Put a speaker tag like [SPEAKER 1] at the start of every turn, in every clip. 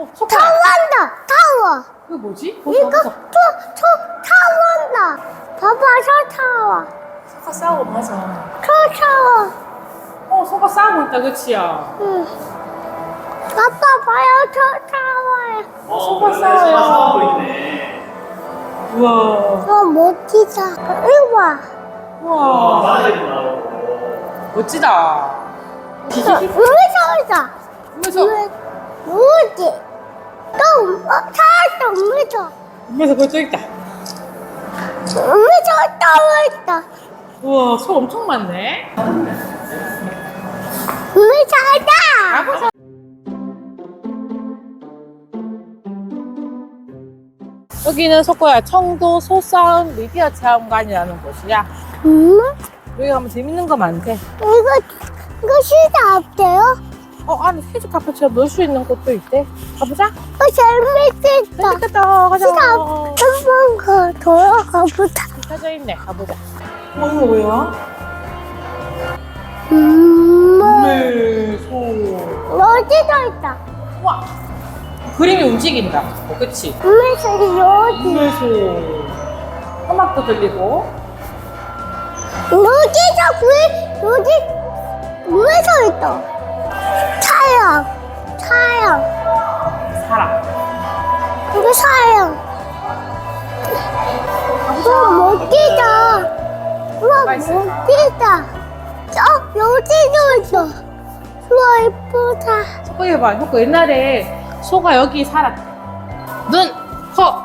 [SPEAKER 1] 석화.
[SPEAKER 2] 타원다. 타워.
[SPEAKER 1] 이거 뭐지?
[SPEAKER 2] 이거 타원다. 봐봐, 저 타워.
[SPEAKER 1] 석화 싸우고 맞아.
[SPEAKER 2] 저 타워.
[SPEAKER 1] 석화 싸우고 있다, 그치야?
[SPEAKER 2] 응. 아빠 봐요, 저 타워에.
[SPEAKER 1] 석화 싸워요.
[SPEAKER 3] 싸우고 있네.
[SPEAKER 1] 우와.
[SPEAKER 2] 멋지다. 이거 봐.
[SPEAKER 1] 우와.
[SPEAKER 3] 마늘도 나오고.
[SPEAKER 1] 멋지다.
[SPEAKER 2] 무서워다.
[SPEAKER 1] 그래서
[SPEAKER 2] 뭐지? 또 살았어, 무서워.
[SPEAKER 1] 그래서 그거 있다.
[SPEAKER 2] 무서워, 떠있다.
[SPEAKER 1] 우와, 소 엄청 많네.
[SPEAKER 2] 무서워다.
[SPEAKER 1] 여기는 석고야 청도 소싸움 미디어 체험관이라는 곳이야. 여기 가면 재밌는 거 많대.
[SPEAKER 2] 이거 시다 없대요?
[SPEAKER 1] 안에 세주 카페처럼 놀 수 있는 곳도 있대. 가보자.
[SPEAKER 2] 재밌겠다.
[SPEAKER 1] 재밌겠다. 가자.
[SPEAKER 2] 시다 한번 돌아가 보자.
[SPEAKER 1] 켜져 있네. 가보자. 이거 뭐야? 네, 소.
[SPEAKER 2] 어디도 있다.
[SPEAKER 1] 와. 그림이 움직인다. 그치?
[SPEAKER 2] 소리 여기.
[SPEAKER 1] 네, 소. 음악도 들리고.
[SPEAKER 2] 여기 물에서 있다. 차양.
[SPEAKER 1] 사람.
[SPEAKER 2] 이거 차양. 우와, 멋지다. 우와,
[SPEAKER 1] 뭐가 있을까?
[SPEAKER 2] 멋지다. 여기도 있어. 우와, 예쁘다.
[SPEAKER 1] 석고 해봐. 석고 옛날에 소가 여기 살았대. 눈, 코.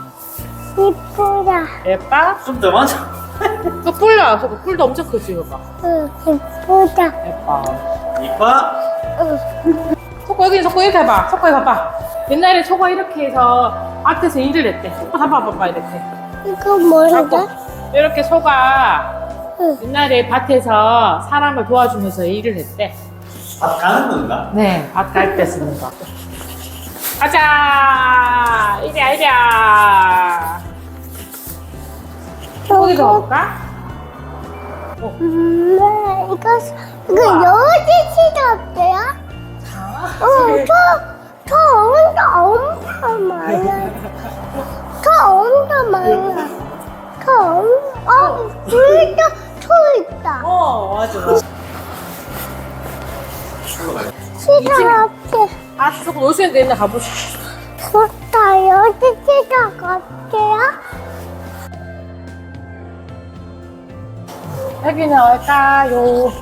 [SPEAKER 2] 예쁘다.
[SPEAKER 1] 예뻐?
[SPEAKER 3] 좀 더 많아.
[SPEAKER 1] 그 뿔이야. 석고 뿔도 엄청 크지, 이거 봐.
[SPEAKER 2] 응, 예쁘다.
[SPEAKER 1] 예뻐.
[SPEAKER 3] 이뻐?
[SPEAKER 2] 응.
[SPEAKER 1] 석고 여기 석고 이렇게 해봐. 석고 해봐봐. 옛날에 소가 이렇게 해서 앞에서 일을 했대. 석고 봐봐 이렇게.
[SPEAKER 2] 이거 뭐라고?
[SPEAKER 1] 이렇게 소가
[SPEAKER 2] 응.
[SPEAKER 1] 옛날에 밭에서 사람을 도와주면서 일을 했대.
[SPEAKER 3] 밥 가는 건가?
[SPEAKER 1] 네, 밭 갈 때 쓰는 거. 가자! 이리야. 거기 가볼까?
[SPEAKER 2] 이거 여기 시다 없대요? 저 엄청 많아. 불도 있다.
[SPEAKER 1] 맞아.
[SPEAKER 2] 시다 없대.
[SPEAKER 1] 조금 놀 수 있는 데 있나 가보자.
[SPEAKER 2] 좋다. 여기 시다 없대요?
[SPEAKER 1] 여기는 어딜까요?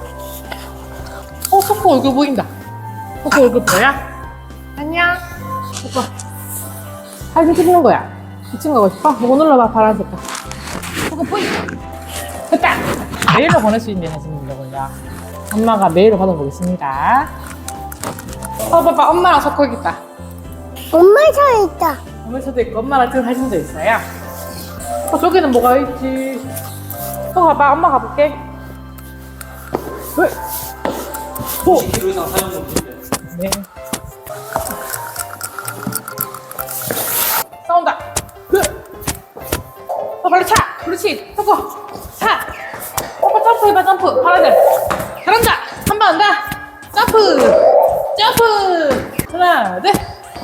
[SPEAKER 1] 석호 얼굴 보인다. 석호 얼굴 보여? 안녕. 석호. 사진 찍는 거야. 미친 거고 싶어? 이거 눌러봐, 파란 색깔. 석호 보인다. 됐다. 메일로 보낼 수 있는 사진이더군요. 엄마가 메일로 받아보겠습니다. 봐봐, 엄마랑 석호 여기 있다.
[SPEAKER 2] 엄마 저 있다.
[SPEAKER 1] 엄마도 있고, 엄마랑 찍은 사진도 있어요. 저기는 뭐가 있지? 가봐, 엄마 가볼게. 왜?
[SPEAKER 3] 20kg 이상 사용 금지인데.
[SPEAKER 1] 네. 싸운다. 빨리 차. 그렇지. 서고. 차. 오빠 점프해봐, 점프. 파란색. 잘한다. 한 번 더. 점프. 하나, 둘.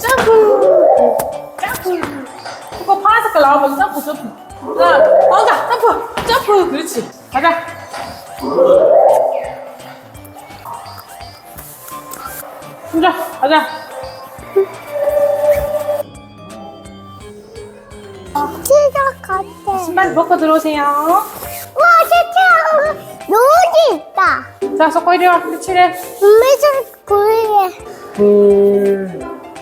[SPEAKER 1] 점프. 오빠 파란 색깔 나오면 점프. 하나, 나온다. 점프. 그렇지. 가자. 혼자 가자.
[SPEAKER 2] 시다 같아.
[SPEAKER 1] 신발 벗고 들어오세요.
[SPEAKER 2] 와, 세차 여기 있다.
[SPEAKER 1] 자, 석고 이리 와. 끝이래.
[SPEAKER 2] 음메서 구이에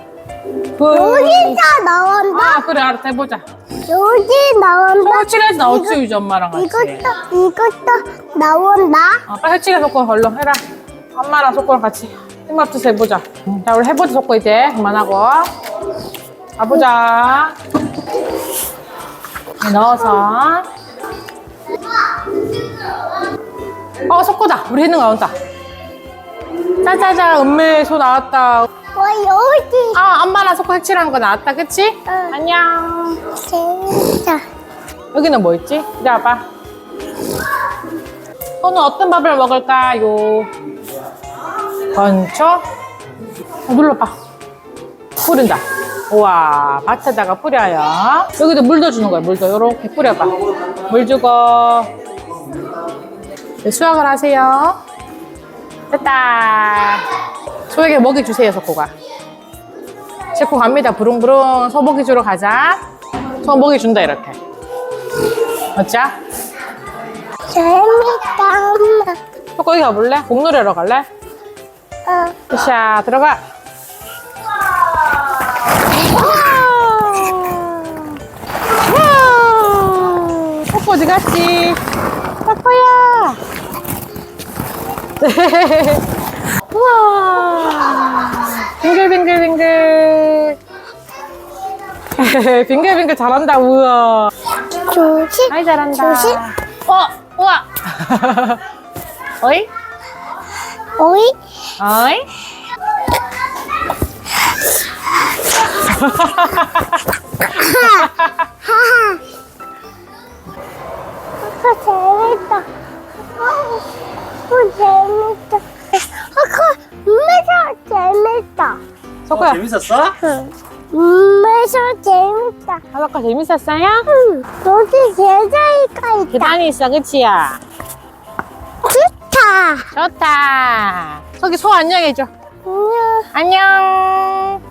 [SPEAKER 2] 여기 다 나온다.
[SPEAKER 1] 그래, 알았다. 해보자.
[SPEAKER 2] 여기 나온다.
[SPEAKER 1] 석고 칠해서 나오지, 유지 엄마랑 같이.
[SPEAKER 2] 이것도 나온다.
[SPEAKER 1] 빨리 칠해, 석고. 얼른 해라. 엄마랑 석고랑 같이 힘합쳐서 해보자. 자, 우리 해보자, 석고 이제. 그만하고. 가보자. 넣어서. 석고다. 우리 했는 거 나온다. 짜자자, 은메소 나왔다.
[SPEAKER 2] 와, 여기.
[SPEAKER 1] 엄마랑 석고 색칠한 거 나왔다, 그치?
[SPEAKER 2] 응.
[SPEAKER 1] 안녕.
[SPEAKER 2] 재밌다.
[SPEAKER 1] 여기는 뭐 있지? 이리 와봐. 오늘 어떤 밥을 먹을까요? 건초? 눌러봐. 뿌린다. 우와, 밭에다가 뿌려요. 여기도 물도 주는 거야, 물도. 요렇게 뿌려봐. 물 주고. 네, 수확을 하세요. 됐다. 소에게 먹이 주세요, 석호가. 싣고 갑니다. 부릉부릉. 소 먹이 주러 가자. 소 먹이 준다, 이렇게. 맞죠?
[SPEAKER 2] 재밌다, 엄마.
[SPEAKER 1] 석호 여기 가볼래? 공놀이하러 갈래? 자, 들어가. 석호 어디 갔지? 석호야. 우와. 빙글빙글빙글. 빙글빙글 잘한다, 우와.
[SPEAKER 2] 조심.
[SPEAKER 1] 아이, 잘한다.
[SPEAKER 2] 조심.
[SPEAKER 1] 우와. 어이?
[SPEAKER 2] 오이.
[SPEAKER 1] 어이?
[SPEAKER 2] 재밌다. 재밌다. 재밌다.
[SPEAKER 1] 석호야,
[SPEAKER 3] 재밌었어?
[SPEAKER 2] 재밌다.
[SPEAKER 1] 아까 재밌었어요?
[SPEAKER 2] 여기 계단이가 있다.
[SPEAKER 1] 계단이 있어, 그치야?
[SPEAKER 2] 좋다.
[SPEAKER 1] 좋다. 석이 소 안녕해줘.
[SPEAKER 2] 안녕.
[SPEAKER 1] 안녕.